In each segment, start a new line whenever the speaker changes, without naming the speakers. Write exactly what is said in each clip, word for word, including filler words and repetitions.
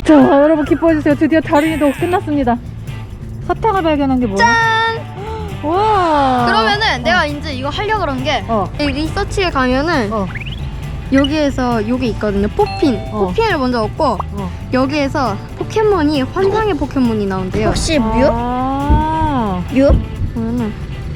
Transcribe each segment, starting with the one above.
자, 여러분 기뻐해주세요. 드디어 다린이도 끝났습니다. 사탕을 발견한 게 뭐야?
짠!
와.
그러면은 내가 이제 이거 하려고 그런 게
어.
이 리서치에 가면은
어.
여기에서 여기 있거든요. 포핀.
어.
포핀을 먼저 얻고
어.
여기에서 포켓몬이 환상의 포켓몬이 나온대요.
혹시
아.
뮤?
그러면은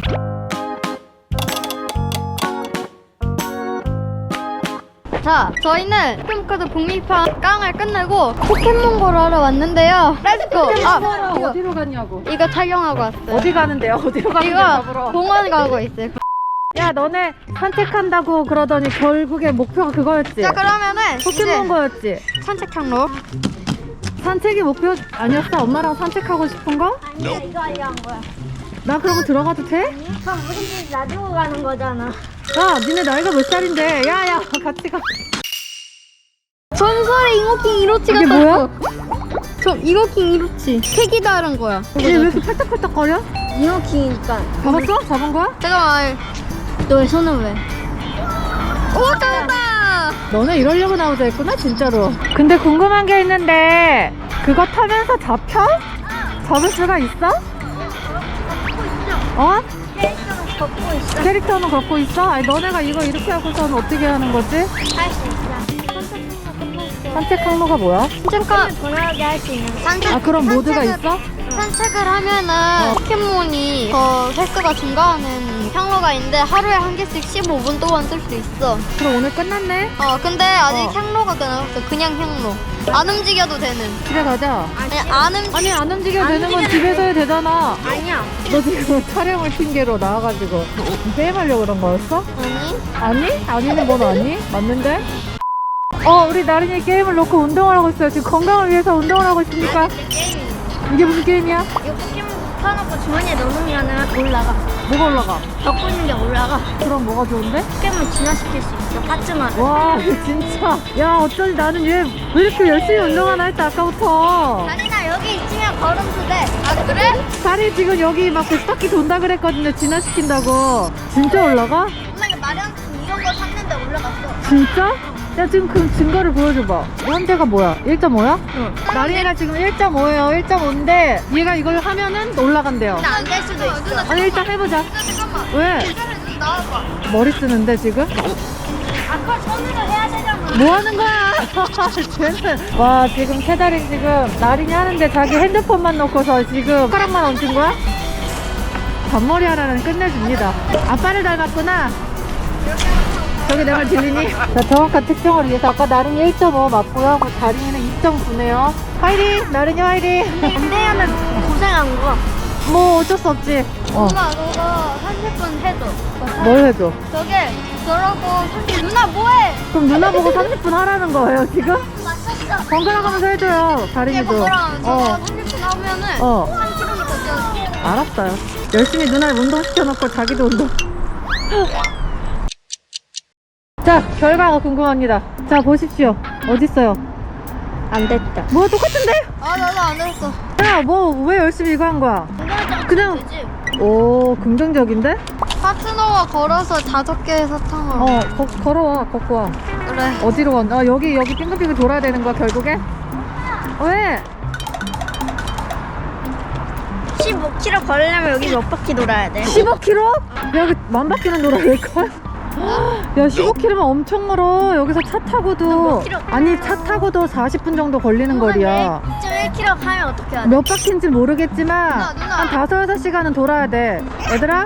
자, 저희는 포켓몬카드 북미판 깡을 끝내고 포켓몬고를 하러 왔는데요. 렛츠고! 아, 이거,
어디로 갔냐고.
이거 착용하고 왔어요.
어디 가는데요? 어디로 가는데요?
이거
잡으러.
공원 가고 있어요.
야, 너네 산책한다고 그러더니 결국에 목표가 그거였지?
자, 그러면은
포켓몬
이제
거였지?
산책 항로.
산책이 목표 아니었어? 엄마랑 산책하고 싶은 거?
아니야, 이거 하려 한 거야.
나 그러고 들어가도 돼?
그럼 우리 집 놔두고 가는 거잖아.
야, 니네 나이가 몇 살인데? 야, 야, 같이 가.
전설의 잉어킹 이로치가
이게
떴어. 저 잉어킹 이로치. 색이 다른 거야.
얘 왜 이렇게 팔딱팔딱거려?
이어킹이니까.
잡았어? 잡은 거야?
잠깐만.
너의 손은 왜?
오, 잡았다!
너네 이러려고 나오자 했구나, 진짜로. 근데 궁금한 게 있는데 그거 타면서 잡혀? 잡을 수가 있어? 어?
캐릭터는 걷고 있어.
캐릭터는 걷고 있어? 아니, 너네가 이거 이렇게 하고서는 어떻게 하는 거지?
할 수 있어.
산책 항로가 뭐야?
잠깐.
돌아가게 할 수 있는.
산책,
아, 그런 모드가
산책을-
있어?
산책을 하면은 포켓몬이 더 횟수가 증가하는 향로가 있는데 하루에 한 개씩 십오 분 동안 쓸 수 있어.
그럼 오늘 끝났네?
어, 근데 아직
어.
향로가 끝났어. 그냥 향로. 안 움직여도 되는.
집에 가자.
아니, 안 움직
아니, 안 움직여도
안
되는 건
움직여도
집에서 해야 되잖아.
아니야.
너 지금 촬영을 핑계로 나와가지고 게임하려고 그런 거였어?
아니?
아니? 아니는 건 아니? 맞는데? 어, 우리 나린이 게임을 놓고 운동을 하고 있어요. 지금 건강을 위해서 운동을 하고 있으니까.
게임이.
이게 무슨 게임이야?
이거 포켓몬 사놓고 주머니에 넣으면 올라가.
뭐가 올라가?
걷고 있는 게 올라가.
그럼 뭐가 좋은데?
포켓몬 진화시킬 수 있어. 파츠만.
와, 진짜. 야, 어쩌지 나는 얘 왜 이렇게 열심히 운동하나 했다, 아까부터.
다리나 여기 있으면 걸음수 돼.
아, 그래?
다리 지금 여기 막 백 바퀴 돈다 그랬거든요. 진화시킨다고. 진짜 올라가?
엄마 이거 마련 이런 거 샀는데 올라갔어.
진짜? 야, 지금 그 증거를 보여줘봐. 현재가 뭐야? 일 점 오야? 응. 나린이가 지금 일 점 오예요. 일 점 오인데 얘가 이걸 하면은 올라간대요.
나 안 될 수도 있어.
아니, 일단 해보자.
잠깐만.
왜?
기다려, 나와봐.
머리 쓰는데 지금?
아까 손으로 해야 되잖아.
뭐 하는 거야? 쟤는. 와, 지금 캐다린 지금 나린이 하는데 자기 핸드폰만 놓고서 지금 손가락만 얹은 거야? 잔머리 하나는 끝내줍니다. 아빠를 닮았구나. 저기 내 말 들리니? 자, 정확한 특정을 위해서 아까 나린이 일 점 오 맞고요. 다린이는 이 점 구네요. 화이팅! 나린이 화이팅!
안 되면 고생한 거.
뭐 어쩔 수 없지. 어.
엄마, 너가 삼십 분 해줘.
뭘 해줘?
저게, 저러고, 삼십 누나 뭐해?
그럼 누나 보고 삼십 분 하라는 거예요, 지금?
맞췄어.
번갈아 가면서 해줘요,
이게
다린이도.
뭐랑 저거
어,
삼십 분 하면은
어.
삼 킬로미터 뛰어.
알았어요. 열심히 누나를 운동시켜놓고 자기도 운동. 자, 결과가 궁금합니다. 자, 보십시오. 어딨어요?
안 됐다.
뭐 똑같은데?
아, 나도 안 했어.
야, 뭐 왜 열심히 이거 한 거야? 그냥.
되지?
오, 긍정적인데?
파트너와 걸어서 다섯 개의 사탕을.
어, 거, 걸어와, 걷고 와.
그래.
어디로 가? 아, 여기, 여기 빙글빙글 돌아야 되는 거야, 결국에? 왜?
십오 킬로미터 걸으려면 여기 몇 바퀴 돌아야 돼?
십오 킬로미터? 야, 그 만 바퀴는 돌아야 될걸? 야, 십오 킬로미터면 엄청 멀어. 여기서 차 타고도.
몇 킬로?
아니, 차 타고도 사십 분 정도 걸리는 거리야.
이 점 일 킬로미터 하면 어떻게 해야 돼?
몇 바퀴인지 모르겠지만
누나, 누나.
한 다섯 여섯 시간은 돌아야 돼. 얘들아,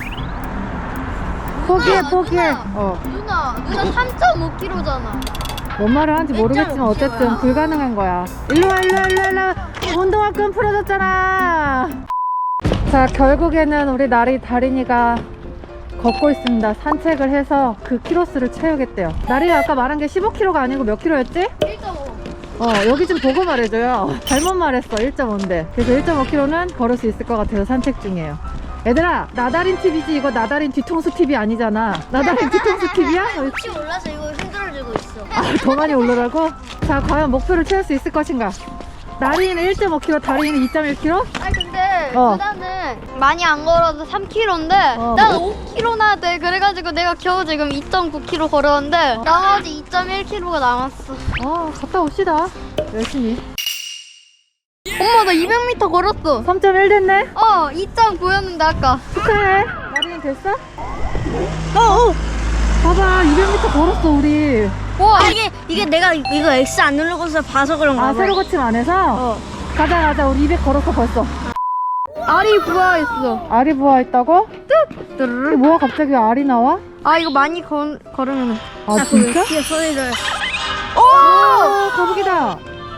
포기해,
누나,
포기해.
누나.
어,
누나, 누나 삼 점 오 킬로미터잖아.
뭔 말을 하는지 모르겠지만
일 점 오
어쨌든
킬로미터야.
불가능한 거야. 일로 와, 일로 와, 일로 와, 일로 와. 운동화 끈 풀어졌잖아. 자, 결국에는 우리 나리 다린이가 걷고 있습니다. 산책을 해서 그 키로수를 채우겠대요. 나리가 아까 말한 게 십오 킬로미터가 아니고 몇 킬로였지?
일 점 오.
어, 여기 좀 보고 말해줘요. 잘못 말했어. 일 점 오인데. 그래서 일 점 오 킬로미터는 걸을 수 있을 것 같아서 산책 중이에요. 얘들아, 나다린 티비지 이거 나다린 뒤통수 티비 아니잖아. 나다린 뒤통수 티비야?
혹시 몰라서 이거 흔들어주고 있어.
아, 더 많이 올라가고? 자, 과연 목표를 채울 수 있을 것인가? 나린이는 일 점 오 킬로미터, 다린이는 이 점 일 킬로미터?
아니 근데
어.
누나는 많이 안 걸어도 삼 킬로미터인데
어.
난 오 킬로미터나 돼. 그래가지고 내가 겨우 지금 이 점 구 킬로미터 걸었는데 나머지 이 점 일 킬로미터가 남았어.
어, 갔다 옵시다. 열심히.
우와, 나 이백 미터 걸었어.
삼 점 일 됐네?
어, 이 점 구였는데 아까.
축하해. 나린이 됐어?
어, 어.
봐봐, 이백 미터 걸었어, 우리.
우와,
아, 이게 이게 내가 이거 X 안 누르고서 봐서 그런가
아,
봐.
새로 고침 안 해서?
어.
가자, 가자. 우리 이백 걸었어, 벌써.
알이 부화했어.
알이 부화했다고? 이게
뚜루루.
뭐야, 갑자기 알이 나와?
아, 이거 많이 걸, 걸으면.
아, 진짜?
뒤에 소리를.
아, 거북이다.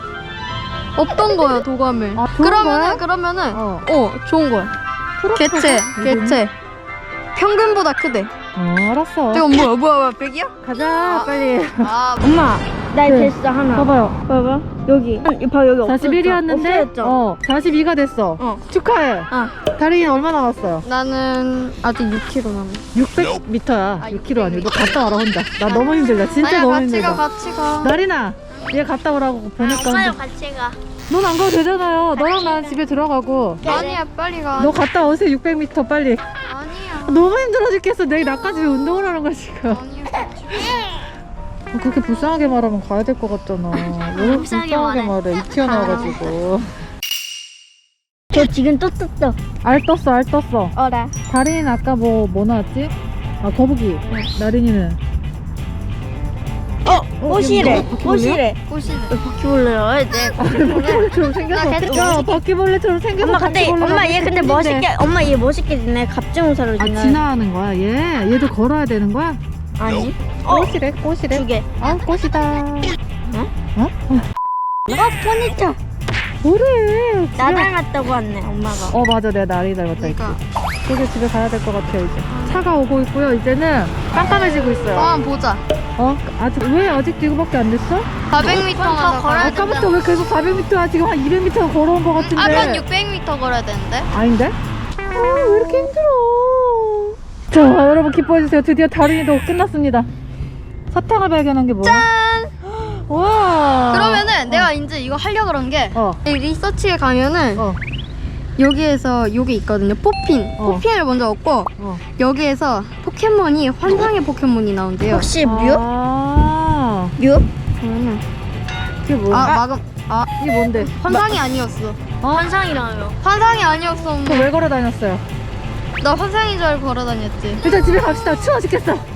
없던 거야, 도감을.
아, 좋은
그러면은,
거야?
그러면은,
어.
어, 좋은 거야. 개체,
이름이?
개체. 평균보다 크대.
어, 알았어.
저거 뭐야, 뭐야, 뭐야, 백이야?
가자,
아.
빨리.
아,
엄마, 나
네.
됐어 하나.
봐봐요.
봐봐. 여기. 봐 여기
사십일이었는데,
없어졌죠?
어, 사십이가 됐어.
어.
축하해.
어.
다린이 얼마 남았어요?
나는 아직 육 킬로그램 남았어.
육백 미터야.
아,
육 킬로그램 아니고. 너 갔다 와라, 혼자. 나 너무 힘들다. 진짜
아니야,
너무
같이
힘들다.
가, 같이 가.
나린아, 얘 갔다 오라고 보니까.
엄마랑 같이 가.
넌 안 가도 되잖아요. 너랑 나는 집에 들어가고.
아니야, 빨리 가.
너 갔다 오세요, 육백 미터 빨리.
아니야.
너무 힘들어 죽겠어. 내일 나까지 왜 운동을 하는 거야, 지금.
아니야, 같이 가.
그렇게 불쌍하게 말하면 가야 될 것 같잖아. 왜
불쌍하게
불쌍하게 말해? 이 튀어나와가지고.
저 지금 또 떴어.
알 떴어, 알 떴어.
어라.
다린이는 아까 뭐, 뭐 나왔지? 아, 거북이. 나린이는.
어, 꽃이래.
바퀴벌레야?
꽃이래.
꽃이네.
바퀴벌레야. 이제.
바퀴벌레처럼 생겨서.
나 계속
야, 바퀴벌레처럼 생겨서.
엄마 근데
바퀴벌레가
엄마 얘 근데
생긴데.
멋있게 엄마 얘 멋있게 지내. 갑주무사로
아,
지내.
지나가는 거야, 얘? 얘도 걸어야 되는 거야?
아니. 어,
꽃이래, 꽃이래.
두 개.
아, 꽃이다.
어?
어?
어, 포니터.
뭐래?
나
집에-
닮았다고 왔네 엄마가.
어, 맞아. 내가 나리 닮았다 했지.
그러니까.
이제 집에 가야 될 것 같아요, 이제. 차가 오고 있고요. 이제는 깜깜해지고 있어요.
어, 보자.
어? 아직, 왜 아직도 이거밖에 안 됐어?
사백 미터만 더 걸어야 된다.
아까부터 왜 계속 사백 미터야? 지금 한 이백 미터 걸어온 것 같은데.
아까 육백 미터 걸어야 되는데.
아닌데? 아, 왜 이렇게 힘들어? 자, 여러분 기뻐해주세요. 드디어 다린이도 끝났습니다. 사탕을 발견한 게 뭐야?
짠!
와.
그러면은 내가 이제 이거 하려고 그런 게
어.
이 리서치에 가면은
어.
여기에서 요게 있거든요. 포핀.
어.
포핀을 먼저 얻고
어.
여기에서 포켓몬이 환상의 포켓몬이 나온대요.
혹시 뮤?
아.
뮤?
그러면은
그게 뭐야?
아, 마금 아,
이게 뭔데?
환상이 아니었어.
환상이라며.
환상이 아니었어. 엄마.
그거 왜 걸어 다녔어요?
나 환상인 줄 알고 걸어 다녔지.
일단 집에 갑시다. 추워 죽겠어.